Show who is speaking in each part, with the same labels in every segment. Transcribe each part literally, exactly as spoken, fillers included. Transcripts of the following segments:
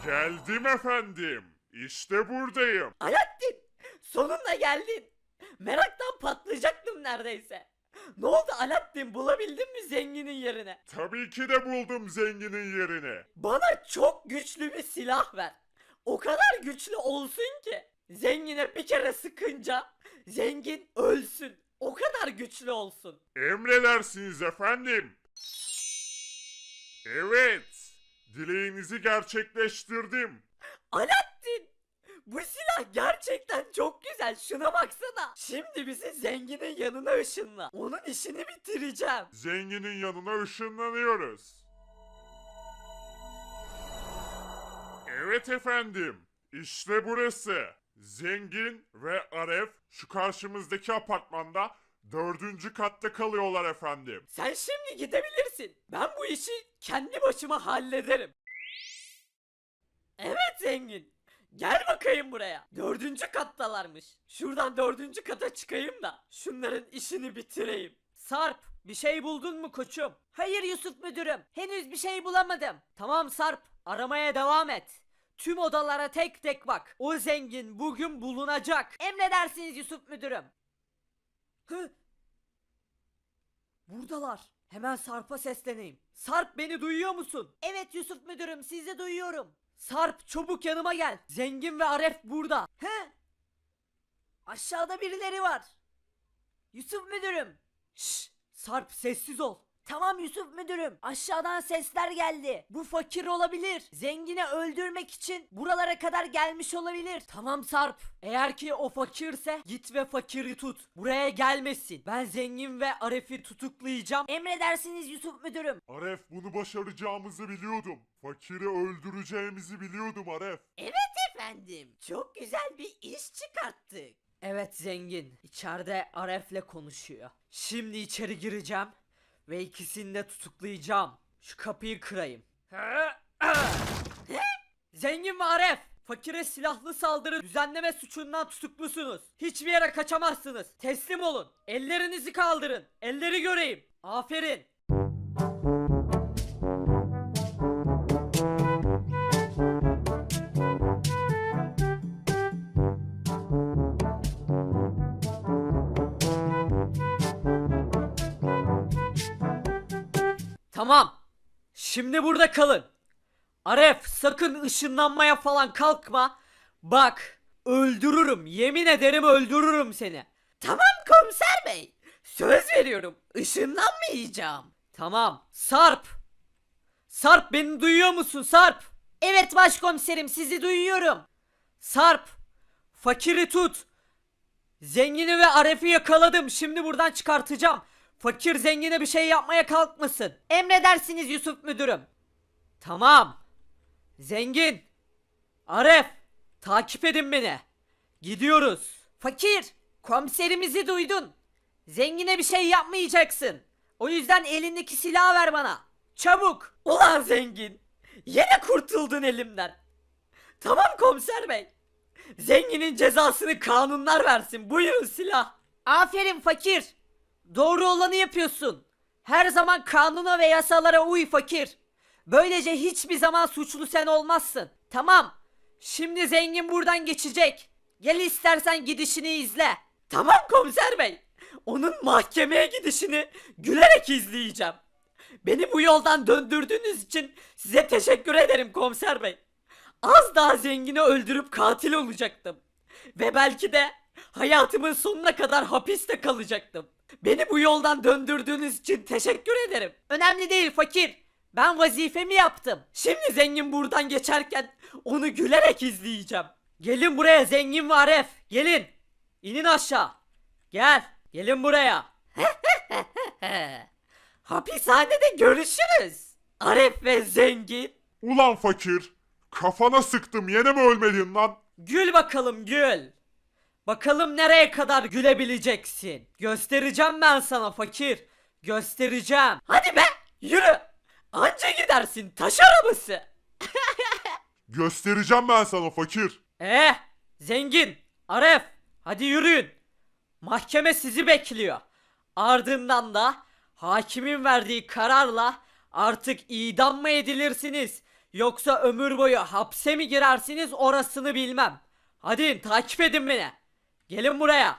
Speaker 1: Geldim efendim. İşte buradayım.
Speaker 2: Alaaddin, sonunda geldin. Meraktan patlayacaktım neredeyse. Ne oldu Alaaddin, bulabildin mi zenginin yerini?
Speaker 1: Tabii ki de buldum zenginin yerini.
Speaker 2: Bana çok güçlü bir silah ver. O kadar güçlü olsun ki zengine bir kere sıkınca zengin ölsün. O kadar güçlü olsun.
Speaker 1: Emredersiniz efendim. Evet. Dileğinizi gerçekleştirdim.
Speaker 2: Alaaddin, bu silah gerçekten çok güzel. Şuna baksana. Şimdi bizi zenginin yanına ışınla. Onun işini bitireceğim.
Speaker 1: Zenginin yanına ışınlanıyoruz. Evet efendim. İşte burası. Zengin ve Aref şu karşımızdaki apartmanda dördüncü katta kalıyorlar efendim.
Speaker 2: Sen şimdi gidebilirsin. Ben bu işi kendi başıma hallederim. Evet zengin. Gel bakayım buraya. Dördüncü kattalarmış. Şuradan dördüncü kata çıkayım da şunların işini bitireyim. Sarp, bir şey buldun mu koçum? Hayır Yusuf müdürüm. Henüz bir şey bulamadım. Tamam Sarp, aramaya devam et. Tüm odalara tek tek bak. O zengin bugün bulunacak. Emredersiniz Yusuf müdürüm. Hı? Buradalar. Hemen Sarp'a sesleneyim. Sarp, beni duyuyor musun? Evet Yusuf müdürüm, sizi duyuyorum. Sarp, çabuk yanıma gel. Zengin ve Aref burada. He? Aşağıda birileri var. Yusuf müdürüm. Şşş, Sarp sessiz ol. Tamam Yusuf müdürüm. Aşağıdan sesler geldi. Bu fakir olabilir. Zengini öldürmek için buralara kadar gelmiş olabilir. Tamam Sarp. Eğer ki o fakirse git ve fakiri tut. Buraya gelmesin. Ben zengin ve Aref'i tutuklayacağım. Emredersiniz Yusuf müdürüm.
Speaker 1: Aref, bunu başaracağımızı biliyordum. Fakiri öldüreceğimizi biliyordum Aref.
Speaker 2: Evet efendim. Çok güzel bir iş çıkarttık. Evet zengin. İçeride Aref'le konuşuyor. Şimdi içeri gireceğim ve ikisini de tutuklayacağım. Şu kapıyı kırayım. Zengin ve Aref, fakire silahlı saldırı düzenleme suçundan tutuklusunuz. Hiçbir yere kaçamazsınız. Teslim olun. Ellerinizi kaldırın. Elleri göreyim. Aferin. Tamam. Şimdi burada kalın. Aref, sakın ışınlanmaya falan kalkma. Bak, öldürürüm. Yemin ederim öldürürüm seni. Tamam komiser bey. Söz veriyorum. Işınlanmayacağım. Tamam. Sarp. Sarp, beni duyuyor musun Sarp? Evet başkomiserim, sizi duyuyorum. Sarp. Fakiri tut. Zengini ve Aref'i yakaladım. Şimdi buradan çıkartacağım. Fakir zengine bir şey yapmaya kalkmasın. Emredersiniz Yusuf müdürüm. Tamam. Zengin. Aref. Takip edin beni. Gidiyoruz. Fakir. Komiserimizi duydun. Zengine bir şey yapmayacaksın. O yüzden elindeki silahı ver bana. Çabuk. Ulan zengin. Yine kurtuldun elimden. Tamam komiser bey. Zenginin cezasını kanunlar versin. Buyurun silah. Aferin fakir. Doğru olanı yapıyorsun. Her zaman kanuna ve yasalara uy fakir. Böylece hiçbir zaman suçlu sen olmazsın. Tamam. Şimdi zengin buradan geçecek. Gel istersen gidişini izle. Tamam komiser bey. Onun mahkemeye gidişini gülerek izleyeceğim. Beni bu yoldan döndürdüğünüz için size teşekkür ederim komiser bey. Az daha zengini öldürüp katil olacaktım. Ve belki de hayatımın sonuna kadar hapiste kalacaktım. Beni bu yoldan döndürdüğünüz için teşekkür ederim. Önemli değil fakir. Ben vazifemi yaptım. Şimdi zengin buradan geçerken onu gülerek izleyeceğim. Gelin buraya zengin ve Aref. Gelin. İnin aşağı. Gel. Gelin buraya. Hapishanede görüşürüz. Aref ve zengin.
Speaker 1: Ulan fakir. Kafana sıktım, yine mi ölmedin lan?
Speaker 2: Gül bakalım gül. Bakalım nereye kadar gülebileceksin. Göstereceğim ben sana fakir. Göstereceğim. Hadi be yürü. Anca gidersin taş arabası.
Speaker 1: Göstereceğim ben sana fakir.
Speaker 2: Eh zengin. Aref. Hadi yürüyün. Mahkeme sizi bekliyor. Ardından da hakimin verdiği kararla artık idam mı edilirsiniz Yoksa ömür boyu hapse mi girersiniz orasını bilmem. Hadi takip edin beni. Gelin buraya.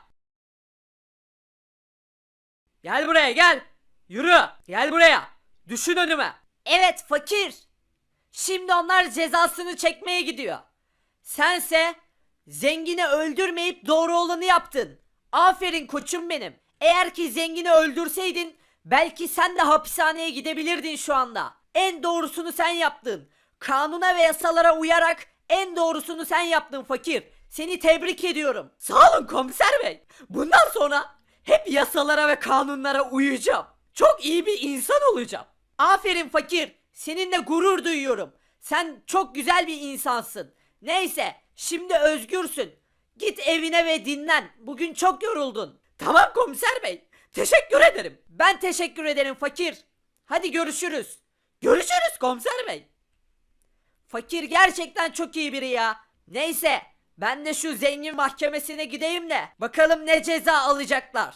Speaker 2: Gel buraya gel. Yürü. Gel buraya. Düşün önüme. Evet fakir. Şimdi onlar cezasını çekmeye gidiyor. Sense zengini öldürmeyip doğru olanı yaptın. Aferin koçum benim. Eğer ki zengini öldürseydin belki sen de hapishaneye gidebilirdin şu anda. En doğrusunu sen yaptın. Kanuna ve yasalara uyarak en doğrusunu sen yaptın fakir. Seni tebrik ediyorum. Sağ olun komiser bey. Bundan sonra hep yasalara ve kanunlara uyacağım. Çok iyi bir insan olacağım. Aferin fakir. Seninle gurur duyuyorum. Sen çok güzel bir insansın. Neyse, şimdi özgürsün. Git evine ve dinlen. Bugün çok yoruldun. Tamam komiser bey. Teşekkür ederim. Ben teşekkür ederim fakir. Hadi görüşürüz. Görüşürüz komiser bey. Fakir gerçekten çok iyi biri ya. Neyse, ben de şu zengin mahkemesine gideyim de bakalım ne ceza alacaklar.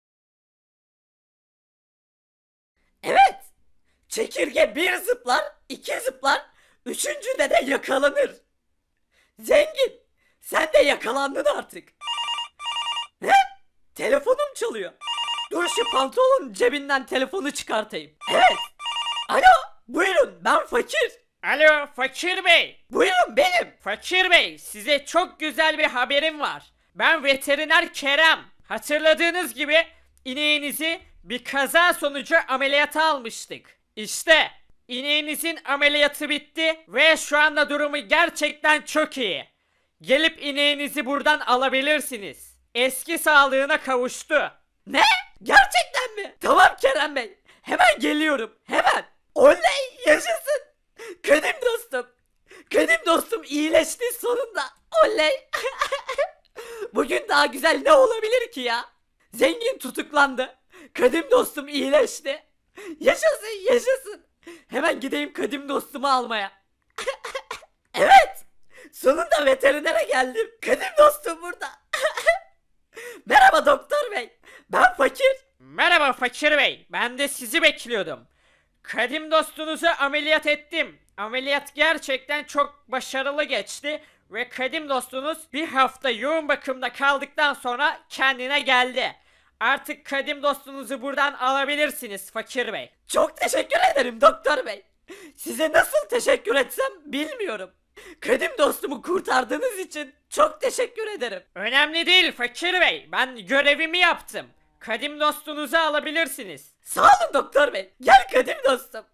Speaker 2: Evet. Çekirge bir zıplar, iki zıplar, üçüncüde de yakalanır. Zengin, sen de yakalandın artık. Ne? Telefonum çalıyor. Dur şu pantolonun cebinden telefonu çıkartayım. Evet. Alo, buyurun ben fakir.
Speaker 3: Alo Fakir Bey.
Speaker 2: Buyurun benim.
Speaker 3: Fakir Bey, size çok güzel bir haberim var. Ben veteriner Kerem. Hatırladığınız gibi ineğinizi bir kaza sonucu ameliyata almıştık. İşte ineğinizin ameliyatı bitti ve şu anda durumu gerçekten çok iyi. Gelip ineğinizi buradan alabilirsiniz. Eski sağlığına kavuştu.
Speaker 2: Ne? Gerçekten mi? Tamam Kerem Bey. Hemen geliyorum. Hemen. Oley yaşasın. Kadim dostum. Kadim dostum iyileşti sonunda. Oley. Bugün daha güzel ne olabilir ki ya? Zengin tutuklandı. Kadim dostum iyileşti. Yaşasın yaşasın. Hemen gideyim kadim dostumu almaya. Evet. Sonunda veterinere geldim. Kadim dostum burada. Merhaba doktor bey. Ben fakir.
Speaker 3: Merhaba Fakir Bey, ben de sizi bekliyordum. Kadim dostunuzu ameliyat ettim. Ameliyat gerçekten çok başarılı geçti ve kadim dostunuz bir hafta yoğun bakımda kaldıktan sonra kendine geldi. Artık kadim dostunuzu buradan alabilirsiniz Fakir Bey.
Speaker 2: Çok teşekkür ederim doktor bey. Size nasıl teşekkür etsem bilmiyorum. Kadim dostumu kurtardığınız için çok teşekkür ederim.
Speaker 3: Önemli değil Fakir Bey, ben görevimi yaptım. Kadim dostunuzu alabilirsiniz.
Speaker 2: Sağ olun doktor bey. Gel kadim dostum.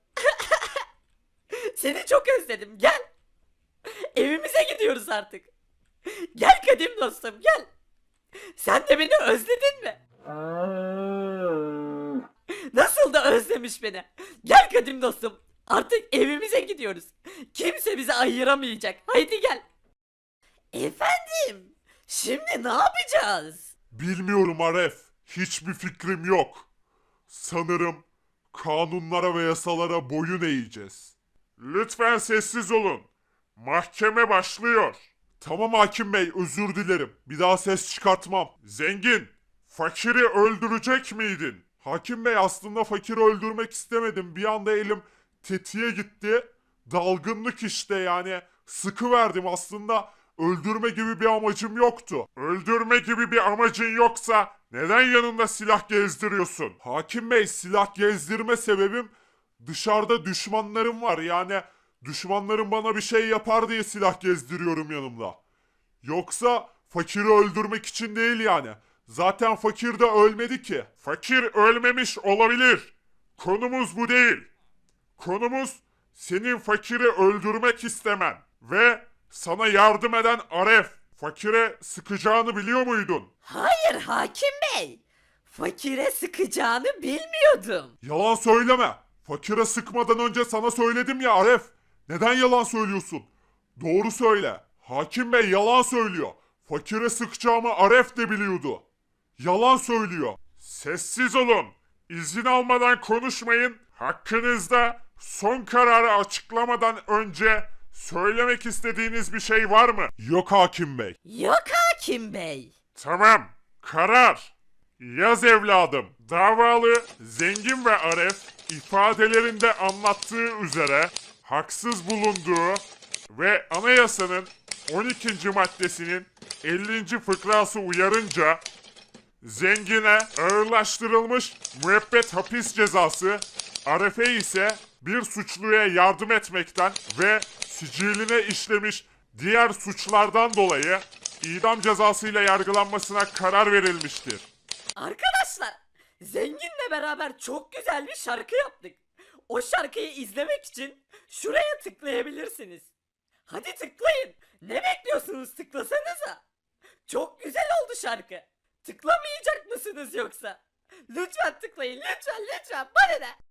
Speaker 2: Seni çok özledim. Gel. Evimize gidiyoruz artık. Gel kadim dostum gel. Sen de beni özledin mi? Nasıl da özlemiş beni. Gel kadim dostum. Artık evimize gidiyoruz. Kimse bizi ayıramayacak. Haydi gel. Efendim, şimdi ne yapacağız?
Speaker 1: Bilmiyorum Aref. Hiçbir fikrim yok. Sanırım kanunlara ve yasalara boyun eğeceğiz. Lütfen sessiz olun. Mahkeme başlıyor. Tamam hakim bey, özür dilerim. Bir daha ses çıkartmam. Zengin, fakiri öldürecek miydin? Hakim bey, aslında fakiri öldürmek istemedim. Bir anda elim tetiğe gitti. Dalgınlık işte, yani sıkı verdim aslında. Öldürme gibi bir amacım yoktu. Öldürme gibi bir amacın yoksa neden yanında silah gezdiriyorsun? Hakim bey, silah gezdirme sebebim dışarıda düşmanlarım var. Yani düşmanlarım bana bir şey yapar diye silah gezdiriyorum yanımda. Yoksa fakiri öldürmek için değil yani. Zaten fakir de ölmedi ki. Fakir ölmemiş olabilir. Konumuz bu değil. Konumuz senin fakiri öldürmek istemen ve sana yardım eden Aref. Fakire sıkacağını biliyor muydun?
Speaker 2: Hayır hakim bey. Fakire sıkacağını bilmiyordum.
Speaker 1: Yalan söyleme. Fakire sıkmadan önce sana söyledim ya Aref. Neden yalan söylüyorsun? Doğru söyle. Hakim bey yalan söylüyor. Fakire sıkacağımı Aref de biliyordu. Yalan söylüyor. Sessiz olun. İzin almadan konuşmayın. Hakkınızda son kararı açıklamadan önce söylemek istediğiniz bir şey var mı? Yok hakim bey.
Speaker 2: Yok hakim bey.
Speaker 1: Tamam. Karar. Yaz evladım. Davalı Zengin ve Aref ifadelerinde anlattığı üzere haksız bulunduğu ve anayasanın on ikinci maddesinin ellinci fıkrası uyarınca zengine ağırlaştırılmış müebbet hapis cezası, Aref'e ise bir suçluya yardım etmekten ve siciline işlemiş diğer suçlardan dolayı idam cezasıyla yargılanmasına karar verilmiştir.
Speaker 2: Arkadaşlar, Zengin'le beraber çok güzel bir şarkı yaptık. O şarkıyı izlemek için şuraya tıklayabilirsiniz. Hadi tıklayın. Ne bekliyorsunuz, tıklasanıza. Çok güzel oldu şarkı. Tıklamayacak mısınız yoksa? Lütfen tıklayın, lütfen lütfen. Bana ne?